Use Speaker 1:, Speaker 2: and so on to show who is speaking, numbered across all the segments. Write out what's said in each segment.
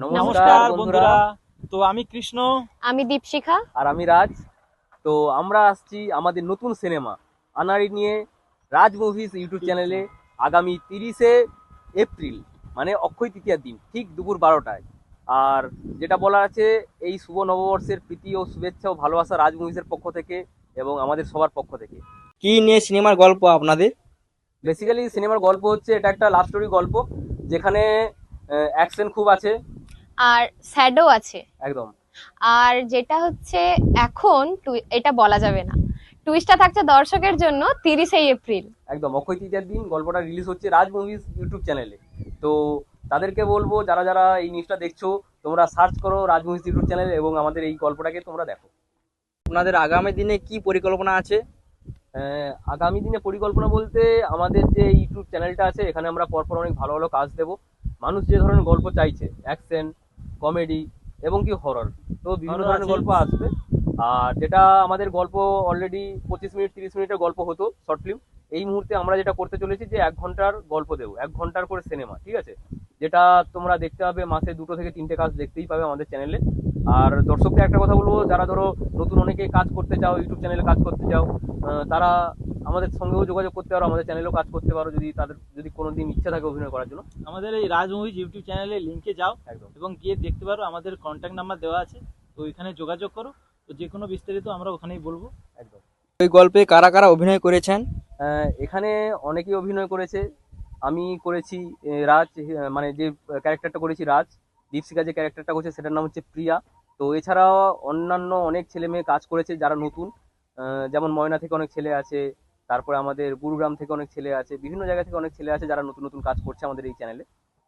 Speaker 1: নমস্কার বন্ধুরা। তো আমি কৃষ্ণ,
Speaker 2: আমি দীপশিখা
Speaker 3: আর আমি রাজ। তো আমরা আসছি আমাদের নতুন সিনেমা আনাড়ি নিয়ে রাজ মুভিজ ইউটিউব চ্যানেলে আগামী 30শে এপ্রিল, মানে অক্ষয় তৃতীয়ার দিন ঠিক দুপুর 12টায়। আর যেটা বলার আছে, এই শুভ নববর্ষের প্রীতি ও শুভেচ্ছা ও ভালোবাসা রাজ মুভিজের পক্ষ থেকে এবং আমাদের সবার পক্ষ থেকে।
Speaker 4: কি নিয়ে সিনেমার গল্প আপনাদের?
Speaker 3: বেসিক্যালি সিনেমার গল্প হচ্ছে, এটা একটা লাভ স্টোরি গল্প, যেখানে অ্যাকশন খুব আছে
Speaker 2: আর স্যাডও আছে
Speaker 3: একদম।
Speaker 2: আর যেটা হচ্ছে এখন এটা বলা যাবে না, টুইস্টটা থাকছে দর্শকের জন্য 30শে এপ্রিল।
Speaker 3: একদম অক্ষয় তৃতীয়ার দিন গল্পটা রিলিজ হচ্ছে রাজ মুভিজ ইউটিউব চ্যানেলে। তো তাদেরকে বলবো, যারা যারা এই নিউজটা দেখছো, তোমরা সার্চ করো রাজ মুভিজ ইউটিউব চ্যানেল এবং আমাদের এই গল্পটাকে তোমরা দেখো।
Speaker 4: আপনাদের আগামী দিনে কি পরিকল্পনা আছে?
Speaker 3: আগামী দিনে পরিকল্পনা বলতে, আমাদের যে ইউটিউব চ্যানেলটা আছে, এখানে আমরা পরপর অনেক ভালো ভালো কাজ দেবো। মানুষ যে ধরনের গল্প চাইছে, অ্যাকশন, কমেডি এবং কি হরর, তো বিভিন্ন ধরনের গল্প আসবে। আর যেটা আমাদের গল্প অলরেডি 25 মিনিট 30 মিনিটের গল্প হতো শর্ট ফিল্ম, এই মুহূর্তে আমরা যেটা করতে চলেছি যে 1 ঘন্টার গল্প দেবো, 1 ঘন্টার করে সিনেমা, ঠিক আছে? যেটা তোমরা দেখতে পাবে, মাসে 2 থেকে 3টে কাজ দেখতেই পাবে আমাদের চ্যানেলে। আর দর্শকদের একটা কথা বলবো, যারা ধরো নতুন অনেকে কাজ করতে চাও, ইউটিউব চ্যানেলে কাজ করতে চাও, তারা আমাদের সঙ্গেও যোগাযোগ করতে পারো, আমাদের চ্যানেলেও কাজ করতে পারো, যদি যদি কোনোদিন ইচ্ছা থাকে অভিনয় করার জন্য।
Speaker 1: আমাদের এই রাজ মুভিজ ইউটিউব চ্যানেলে লিংকে যাও
Speaker 3: একদম।
Speaker 1: এবং গিয়ে দেখতে পারো, আমাদের কন্ট্যাক্ট নাম্বার দেওয়া আছে, তো ওইখানে যোগাযোগ করো। তো যে কোনো বিস্তারিত আমরা ওখানেই বলবো।
Speaker 3: একদম।
Speaker 4: ওই গল্পে কারা কারা অভিনয় করেছেন?
Speaker 3: এখানে অনেকেই অভিনয় করেছে। আমি করেছি রাজ, মানে যে ক্যারেক্টারটা করেছি রাজ। দীপশিখা যে ক্যারেক্টারটা করছে সেটার নাম হচ্ছে প্রিয়া। তো এছাড়াও অন্যান্য অনেক ছেলে মেয়ে কাজ করেছে যারা নতুন, যেমন ময়না থেকে অনেক ছেলে আছে, তারপরে আমাদের গুরুগ্রাম থেকে অনেক ছেলে আছে, বিভিন্ন জায়গা থেকে অনেক ছেলে আছে যারা নতুন নতুন কাজ করছে আমাদের এই চ্যানেলে।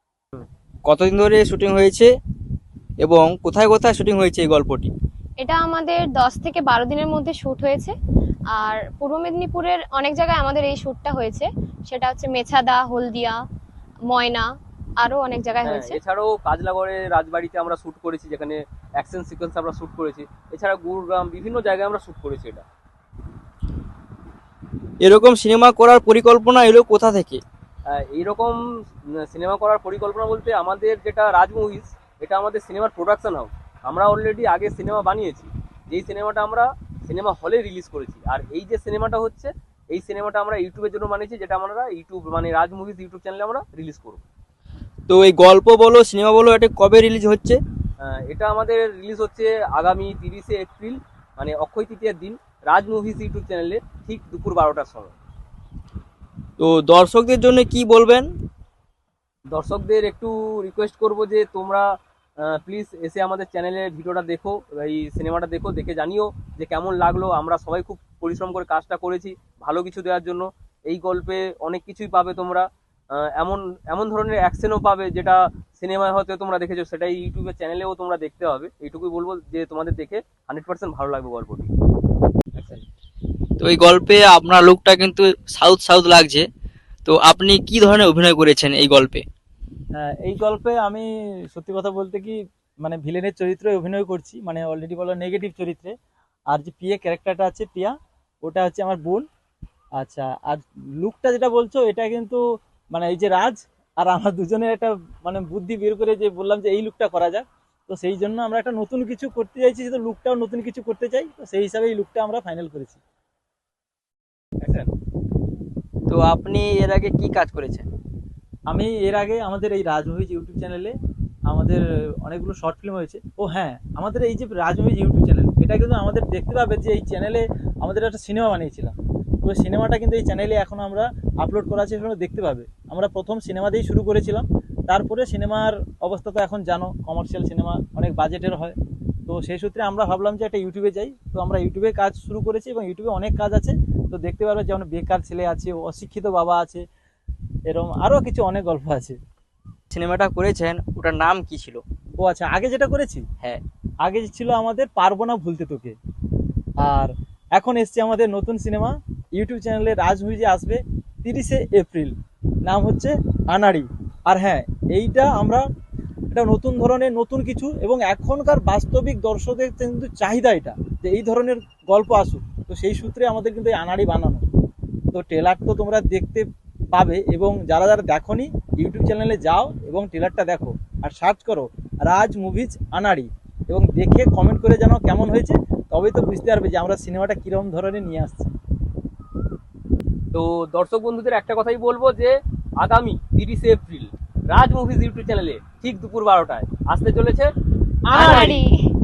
Speaker 4: কতদিন ধরে শুটিং হয়েছে এবং কোথায় কোথায় শুটিং হয়েছে এই গল্পটি?
Speaker 2: এটা আমাদের 10 থেকে 12 দিনের মধ্যে শুট হয়েছে। আর পূর্ব মেদিনীপুরের অনেক জায়গায় আমাদের এই শুটটা হয়েছে, সেটা হচ্ছে মেছাদা, হলদিয়া, ময়না, আরো অনেক জায়গায় হয়েছে।
Speaker 3: এছাড়াও কাজলাগড়ে রাজবাড়িতে আমরা শুট করেছি, যেখানে অ্যাকশন সিকোয়েন্স আমরা শুট করেছি। এছাড়া গুরুগ্রাম, বিভিন্ন জায়গায় আমরা শুট করেছি এটা।
Speaker 4: এরকম সিনেমা করার পরিকল্পনা এলো কোথা থেকে?
Speaker 3: এইরকম সিনেমা করার পরিকল্পনা বলতে, আমাদের যেটা রাজ মুভিজ, এটা আমাদের সিনেমার প্রোডাকশন হাউস। আমরা অলরেডি আগে সিনেমা বানিয়েছি, যেই সিনেমাটা আমরা সিনেমা হলে রিলিজ করেছি। আর এই যে সিনেমাটা হচ্ছে, এই সিনেমাটা আমরা ইউটিউবের জন্য বানিয়েছি, যেটা আমরা ইউটিউব মানে রাজ মুভিজ ইউটিউব চ্যানেলে আমরা রিলিজ করব।
Speaker 4: তো এই গল্প বলো, সিনেমা বলো, এটা কবে রিলিজ হচ্ছে?
Speaker 3: এটা আমাদের রিলিজ হচ্ছে আগামী 30শে এপ্রিল, মানে অক্ষয় তৃতীয়ার দিন, রাজ মুভিজ ইউটিউব চ্যানেলে ঠিক দুপুর 12টার সময়।
Speaker 4: তো দর্শকদের জন্য কি বলবেন?
Speaker 3: দর্শকদের একটু রিকোয়েস্ট করব যে তোমরা প্লিজ এসে আমাদের চ্যানেলে ভিডিওটা দেখো, এই সিনেমাটা দেখো, দেখে জানিও যে কেমন লাগলো। আমরা সবাই খুব পরিশ্রম করে কাজটা করেছি ভালো কিছু দেওয়ার জন্য। এই গল্পে অনেক কিছুই পাবে তোমরা, এমন এমন ধরনের অ্যাকশনও পাবে যেটা সিনেমায় হয়তো তোমরা দেখেছো, সেটাই ইউটিউবের চ্যানেলেও তোমরা দেখতে হবে। এইটুকুই বলবো যে তোমাদের দেখে 100% ভালো লাগবে গল্পটি।
Speaker 4: তো এই গল্পে আপনার লুকটা কিন্তু সাউথ সাউথ লাগছে। তো আপনি কি ধরনের অভিনয় করেছেন এই গল্পে?
Speaker 1: এই গল্পে আমি সত্যি কথা বলতে কি, মানে ভিলেনের চরিত্রে অভিনয় করছি, মানে অলরেডি বলো নেগেটিভ চরিত্রে। আর যে পিয়া ক্যারেক্টারটা আছে, পিয়া, ওটা হচ্ছে আমার বোন। আচ্ছা, আর লুকটা যেটা বলছো, এটা কিন্তু মানে এই যে রাজ আর আমার দুজনের একটা মানে বুদ্ধি বের করে যে বললাম যে এই লুকটা করা যাক। তো সেই জন্য আমরা একটা নতুন কিছু করতে চাইছি, তো লুকটাও নতুন কিছু করতে চাই, তো সেই হিসাবে এই লুকটা আমরা ফাইনাল করেছি।
Speaker 4: তো আপনি এর আগে কি কাজ করেছেন?
Speaker 1: আমি এর আগে আমাদের এই রাজ মুভিজ ইউটিউব চ্যানেলে আমাদের অনেকগুলো শর্ট ফিল্ম হয়েছে। ও হ্যাঁ, আমাদের এই যে রাজ মুভিজ ইউটিউব চ্যানেল, এটা কিন্তু আমাদের দেখতে পাবে যে এই চ্যানেলে আমাদের একটা সিনেমা বানিয়েছিলাম। তো সিনেমাটা কিন্তু এই চ্যানেলে এখন আমরা আপলোড করা আছে, সেগুলো দেখতে পাবে। আমরা প্রথম সিনেমা দিয়েই শুরু করেছিলাম, তারপরে সিনেমার অবস্থা তো এখন জানো, কমার্শিয়াল সিনেমা অনেক বাজেটের হয়। তো সেই সূত্রে আমরা ভাবলাম যে একটা ইউটিউবে যাই, তো আমরা ইউটিউবে কাজ শুরু করেছি এবং ইউটিউবে অনেক কাজ আছে। তো দেখতে পারবে, যেমন বেকার ছেলে আছে, অশিক্ষিত বাবা আছে, এরকম আরও কিছু অনেক গল্প আছে।
Speaker 4: সিনেমাটা করেছেন ওটার নাম কি ছিল?
Speaker 1: ও আচ্ছা, আগে যেটা করেছি,
Speaker 4: হ্যাঁ,
Speaker 1: আগে ছিল আমাদের পারবো না ভুলতে তোকে। আর এখন এসছে আমাদের নতুন সিনেমা, ইউটিউব চ্যানেলে রাজ মুভিজে আসবে 30শে এপ্রিল, নাম হচ্ছে আনাড়ি। আর হ্যাঁ, এইটা আমরা এটা নতুন ধরনের নতুন কিছু, এবং এখনকার বাস্তবিক দর্শকদের কিন্তু চাহিদা এটা, যে এই ধরনের গল্প আসুক। তো সেই সূত্রে আমাদের কিন্তু এই আনাড়ি বানানো। তো ট্রেলার তো তোমরা দেখতে পাবে, এবং যারা যারা দেখোনি ইউটিউব চ্যানেলে যাও এবং ট্রেলারটা দেখো আর সার্চ করো রাজ মুভিজ আনাড়ি, এবং দেখে কমেন্ট করে জানাও কেমন হয়েছে, তবেই তো বুঝতে পারবে যে আমরা সিনেমাটা কিরকম ধরনের নিয়ে আসছি।
Speaker 3: তো দর্শক বন্ধুদের একটা কথাই বলবো যে আগামী 30শে এপ্রিল রাজ মুভিজ ইউটিউব চ্যানেলে ঠিক দুপুর 12টায় আসতে চলেছে আনাড়ি।
Speaker 2: আনাড়ি।